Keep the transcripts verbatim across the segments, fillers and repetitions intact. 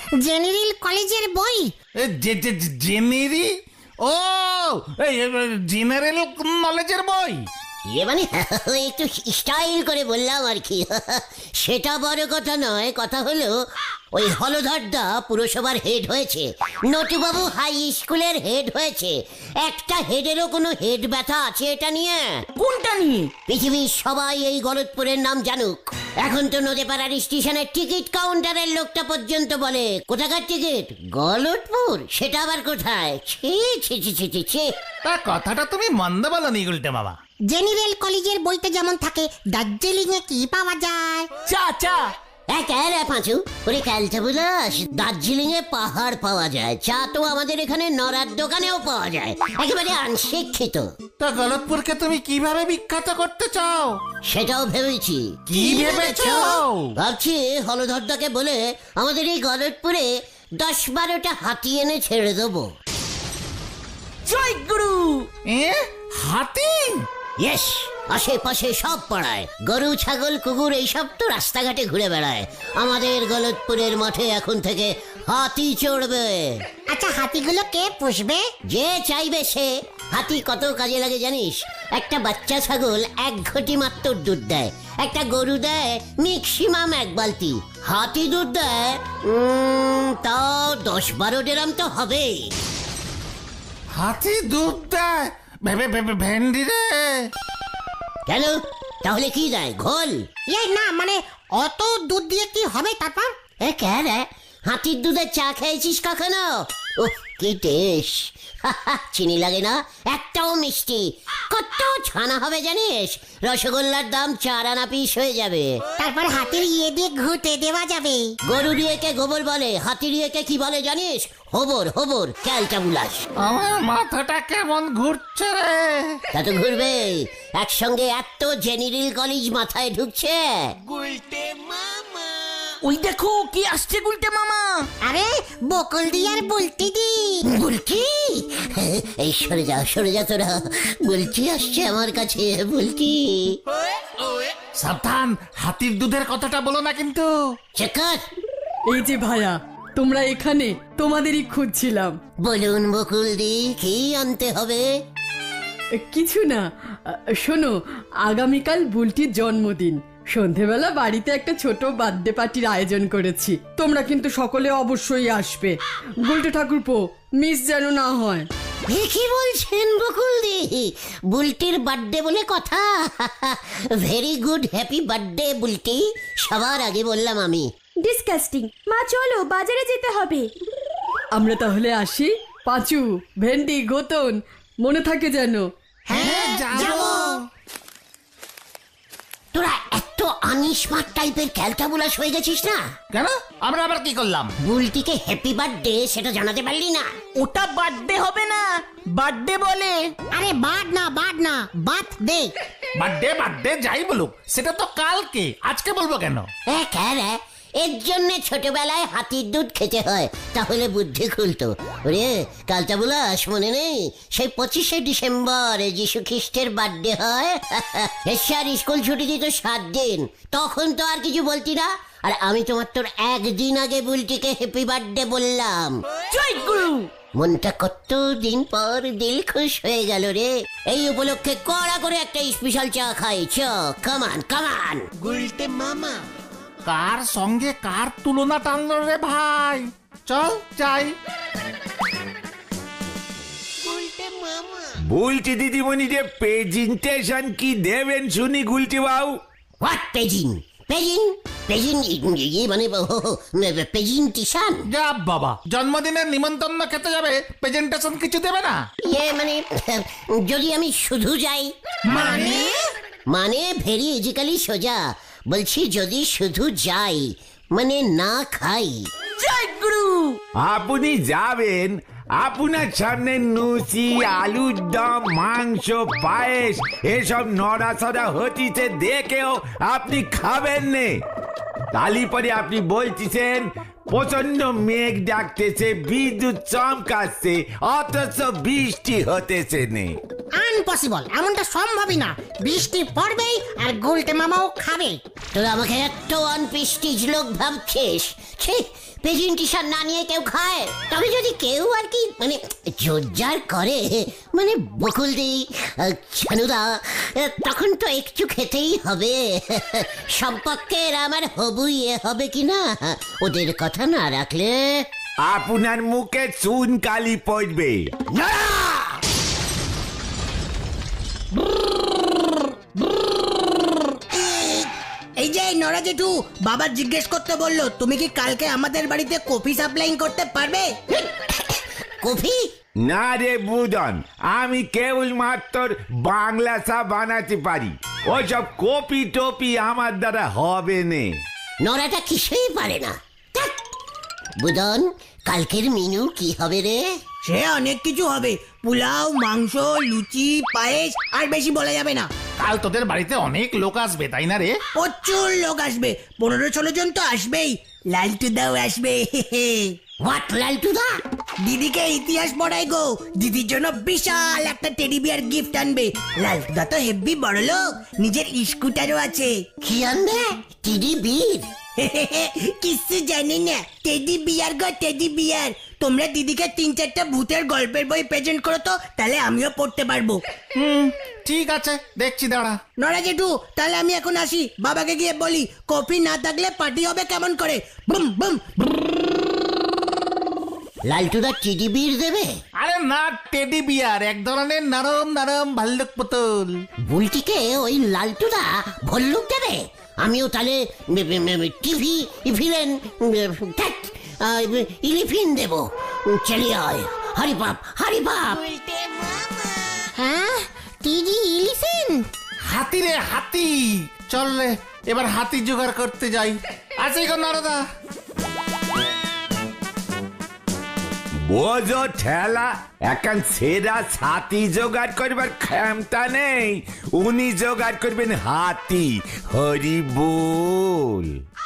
General কলেজের বই। জেনারি ও general নলেজের বই। ইয়ে মানে একটু স্টাইল করে বললাম আর কি। সেটা বড় কথা নয়, কথা হলো ওই হলধরদা পুরসভার হেড হয়েছে, নটুবাবু হাই স্কুলের হেড হয়েছে। একটা হেডেরও কোনো হেড ব্যথা আছে এটা নিয়ে? কোনটা নিয়ে? পৃথিবীর সবাই এই গলতপুরের নাম জানুক। এখন তো নদীপাড়ার স্টেশনের টিকিট কাউন্টারের লোকটা পর্যন্ত বলে কোথাকার টিকিট, গলতপুর। সেটা আবার কোথায়? ছি ছি ছি ছি ছি ছি। তা কথাটা তুমি মন্দ বলনি গুলটে মামা। জেনারেল কলেজের বইতে যেমন থাকে, দার্জিলিং এ কি পাওয়া যায়? চা চা। পাঁচু ওরে ক্যালটা বুলাস, দার্জিলিং এ পাহাড় পাওয়া যায়, চা তো আমাদের এখানে নড়ার দোকানেও পাওয়া যায়। একেবারে অনশিক্ষিত। তা গলতপুরকে তুমি কিভাবে বিখ্যাত করতে চাও? সেটাও ভেবেছি। কি ভেবেছো? ভাবছি হলধরদাকে বলে আমাদের এই গলতপুরে দশ বারোটা হাতি এনে ছেড়ে দেবো। জয় গুরু। এ হাতি? ইয়েস, আশেপাশে সব পাড়ায় গরু ছাগল কুকুর এইসব তো রাস্তাঘাটে ঘুরে বেড়ায়। আমাদের গলতপুরের মাঠে এখন থেকে হাতি চড়বে। আচ্ছা, হাতিগুলো কে পুষবে? যে চাইবে সে। হাতি কত কাজে লাগে জানিস? একটা বাচ্চা ছাগল এক ঘটি মাত্র দুধ দেয়, একটা গরু দেয় ম্যাক্সিমাম এক বালতি, হাতি দুধ দেয় উম, তাও দশ বারো ডেরাম তো হবে। হাতি দুধ দেয়? ভেবে ভেবে ভেন্ডি রে। কেন, তাহলে কি দেয়? ঘোল? এই না, মানে অত দুধ দিয়ে কি হবে তারপর? এ কেন রে, হাতির দুধের চা খেয়েছিস কখনো? ওহ কি টেস্ট! চিনি লাগে না, একটাও মিষ্টি। কত ছানা হবে জানিস? রসগোল্লার দাম চার আনা পিস হয়ে যাবে। তারপর হাতির ইয়ে দিয়ে ঘুটে দেওয়া যাবে। গরুর ইয়েকে গোবর বলে, হাতির ইয়েকে কি বলে জানিস? হবর। হবর ক্যালটা বুলাস। আমার মাথাটা কেমন ঘুরছে রে। তা তো ঘুরবে, একসঙ্গে এত জেনারেল কলেজ মাথায় ঢুকছে। ওই দেখো কি আসছে গুলটে মামা। আরে বকুল দি আর বুলটি দি। বুলটি? এই সরে যা সরে যা তোরা, বুলটি আসছে আমার কাছে। বুলটি সাবধান, হাতির দুধের কথাটা বলো না কিন্তু। চেকার। এই যে ভাইয়া, তোমরা এখানে, তোমাদেরই খুঁজছিলাম। বলুন বকুল দি, কি আনতে হবে? কিছু না, শোনো, আগামীকাল বুলটির জন্মদিন। সন্ধেবেলা বাড়িতে একটা ছোট বার্থডে পার্টির আয়োজন করেছি, তোমরা কিন্তু সকলে অবশ্যই আসবে। বুলটি ঠাকুরপো, মিস যেন না হয়। কি বলছেন বকুল দি? বুলটির বার্থডে বলে কথা? Very good, happy birthday Bulti. সবার আগে বললাম আমি। ডিসকাস্টিং। মা চলো, বাজারে যেতে হবে। আমরা তাহলে আসি। পাঁচু, ভেন্ডি, গোতন, মনে থাকে যেন। হ্যাঁ যাবো। তোরা এত আনস্মার্ট টাইপের ক্যালটাবুলাস হয়ে গেছিস না? কেন, আমরা আবার কি করলাম? বুলটিকে হ্যাপি বার্থডে সেটা জানাতে পারলি না? ওটা বার্থডে হবে না, বার্থডে বলে। আরে বার্ড না, বার্ড না, বার্থ ডে। বার্থডে বার্থডে যাই বলুক, সেটা তো কালকে, আজকে বলবো কেন? এ কেন? এর জন্য ছোটবেলায় হাতির দুধ খেতে হয়, তাহলে বুদ্ধি খুলতো। ওরে কালটাবুলাস, মনে নেই সেই পঁচিশে ডিসেম্বর যিশু খ্রিস্টের বার্থডে হয়? স্যার স্কুল ছুটি দিত সাত দিন, তখন তো আর কিছু বলতি না। আর আমি তোমার তোর একদিন আগে বুলটিকে হ্যাপি বার্থডে বললাম। জয় গুরু। মনটা কত দিন পর দিল খুশ হয়ে গেল রে। এই উপলক্ষে কড়া করে একটা স্পেশাল চা খাই। চ কামান কামান। গুলটে মামা কার সঙ্গে কার তুলনা টানলো রে ভাই? চল যাই। বুলটি দিদিমণি যে প্রেজেন্টেশন কি দেবেন শুনি গুলটি বাবু? What paging? পেজিং পেজিং ইয়ে মানে প্রেজেন্টেশন? যা বাবা, জন্মদিনের নিমন্ত্রণ খেতে যাবে, প্রেজেন্টেশন কিছু দেবে না? ইয়ে মানে যদি আমি শুধু যাই? মানে মানে ভেরি ইজিক্যালি সোজা বলছি, যদি শুধু যাই মানে না খাই। জয় গুরু। আপনি যাবেন, আপনার সামনে লুচি, আলুর দম, মাংস, পায়েস এসব নড়াচড়া হতিছে দেখেও আপনি খাবেন নে। তালি পরে আপনি বলতেছেন প্রচন্ড মেঘ ডাকতেছে, বিদ্যুৎ চমকাচ্ছে, অথচ বৃষ্টি হতেছে নে। আনপসিবল, এমনটা সম্ভবই না। বৃষ্টি পড়বেই আর গুলটে মামাও খাবে। তোরা আমাকে এত আনপ্রেস্টিজ লোক ভাবছিস? ছি, প্রেজেন্টেশন না নিয়ে কেউ খায়? তবে যদি কেউ আর কি মানে জোরজার করে, মানে বকুলদি, আহ, ছানুদা, আহ, তখন তো একটু খেতেই হবে। সম্পর্কের আমার হবু ইয়ে হবে কিনা, ওদের কথা না রাখলে। আপনার মুখে চুন কালি পড়বে। এই যে নরা জেঠু, বাবা জিজ্ঞেস করতে বললো তুমি কি কালকে আমাদের বাড়িতে কফি সাপ্লাইং করতে পারবে? কফি? না রে বুদন, আমি কেবল মাত্র বাংলা চা বানাতে পারি। ওসব কপি টপি আমার দ্বারা হবে না। নরাটা কিছুই পারে না। ধ্যাৎ। বুদন, কালকের মেনু কি হবে রে? সে অনেক কিছু হবে, পোলাও, মাংস, লুচি, পায়েস, আর বেশি বলা যাবে না। কাল তোদের বাড়িতে অনেক লোক আসবে তাই না রে? প্রচুর লোক আসবে, পনেরো ষোলো জন তো আসবেই। লালটুদাও আসবে। হোয়াট লালটুদা? দিদিকে ইতিহাস পড়াই গো, দিদির জন্য বিশাল একটা টেডি বিয়ার গিফট আনবে। লালটুদা তো হেভি বড় লোক, নিজের স্কুটারও আছে। কি আনবে? টিডি বীর? কিছু জানি না, টেডি বিয়ার গো, টেডি বিয়ার। তোমরা দিদিকে তিন চারটা ভূতের গল্পের বই প্রেজেন্ট করো তো, তাহলে আমিও পড়তে পারবো। হুম, ঠিক আছে, দেখছি দাঁড়া। নরা জেঠু, তাহলে আমি এখন আসি। বাবাকে গিয়ে বলি কফি না থাকলে পার্টি হবে কেমন করে। Boom boom. লালটুদা টিডি বীর দেবে? আরে না, টেডি বিয়ার, এক ধরনের নরম নরম ভাল্লুক পুতুল। বুলটিকে ওই লালটুদা ভল্লুক দেবে? আমিও তাহলে টিভি ভিলেন ইলিফিন দেব। চলে আয়, হরি বাপ, হরি বাপ। হ্যাঁ, টিডি ইলিফেন্ট। হাতি রে হাতি, চল রে এবার হাতি জোগাড় করতে যাই। আছে গো নারদা? বোঝো ঠেলা, এখন সেরা ছাতি জোগাড় করবার ক্ষমতা নেই। উনি জোগাড় করবেন হাতি। হরি বল।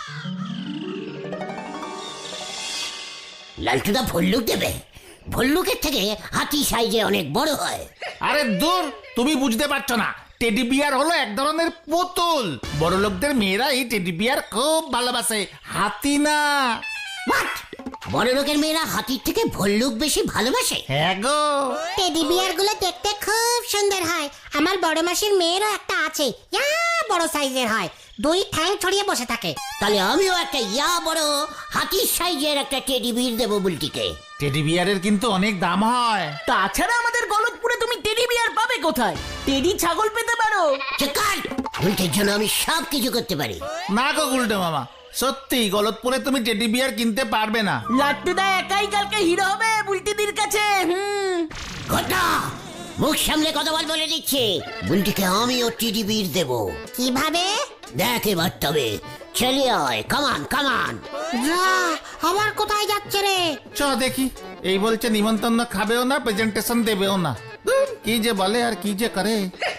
লালটুদা ভল্লুক দেবে? ভল্লুকের থেকে হাতি সাইজে অনেক বড় হয়। আরে দূর, তুমি বুঝতে পারছো না। টেডি বিয়ার হলো এক ধরনের পুতুল। বড় লোকদের মেয়েরা এই টেডি বিয়ার খুব ভালোবাসে, হাতি না। হোয়াট? বড় লোকের মেয়েরা হাতির থেকে ভল্লুক বেশি ভালোবাসে? হ্যাঁ গো। টেডি বিয়ার গুলো দেখতে খুব সুন্দর হয়। আমার বড় মাসির মেয়েরও একটা আছে, ইয়া বড় সাইজের হয়, দুই ঠ্যাং ছড়িয়ে বসে থাকে। তাহলে আমিও একটা ইয়া বড় হাতির সাইজের একটা টেডি বীর দেবো বুলটিকে। টেডি বিয়ারের কিন্তু অনেক দাম হয়। তাছাড়া আমাদের গলতপুরে তুমি টেডি বিয়ার পাবে কোথায়? টেডি ছাগল পেতে পারো। চেকার, বুলটির জন্য আমি সব কিছু করতে পারি। না গো গুলটে মামা, সত্যি গলতপুরে তুমি টেডি বিয়ার কিনতে পারবে না। লাট্টুদা একাই কালকে হিরো হবে বুলটিদির কাছে। হুম, ঘটা, মুখ সামলে কথা বল বলে দিচ্ছি। বুলটিকে আমিও টেডি বীর দেবো। কিভাবে? দেখ এবার তবে। চলে আয়, কামান কামান। যা, আবার কোথায় যাচ্ছে রে? চ দেখি। এই বলছে নিমন্ত্রণ খাবেও না, প্রেজেন্টেশন দেবেও না। ধুর, কি যে বলে আর কি যে করে।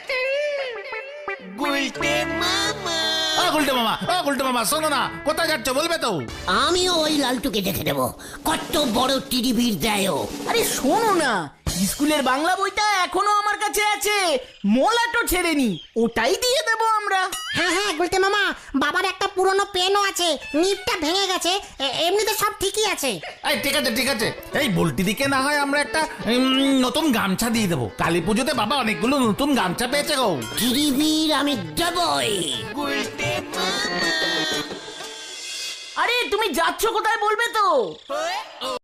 ও গুলটে মামা, ও গুলটে মামা, শোনো না, কোথায় যাচ্ছ বলবে তো? আমিও ওই লালটুকে দেখে দেবো কত বড় টিডি বীর দেয় ও। আরে শোনো না, স্কুলের বাংলা বইটা এখনো আমার কাছে আছে, মোলাটো ছেড়েনি, ওটাই দিয়ে দেবো আমরা। হ্যাঁ হ্যাঁ গুলটে মামা, বাবার একটা পুরনো পেনও আছে, নিপটা ভেঙে গেছে, এ- এমনিতে সব ঠিকই আছে। এই ঠিক আছে ঠিক আছে, এই বলটি দিকে না হয় আমরা একটা উম, নতুন গামছা দিয়ে দেবো। কালী পুজোতে বাবা অনেকগুলো নতুন গামছা পেয়েছে গো। টিডি বীর আমি দেবই। আরে তুমি যাচ্ছ কোথায় বলবে তো?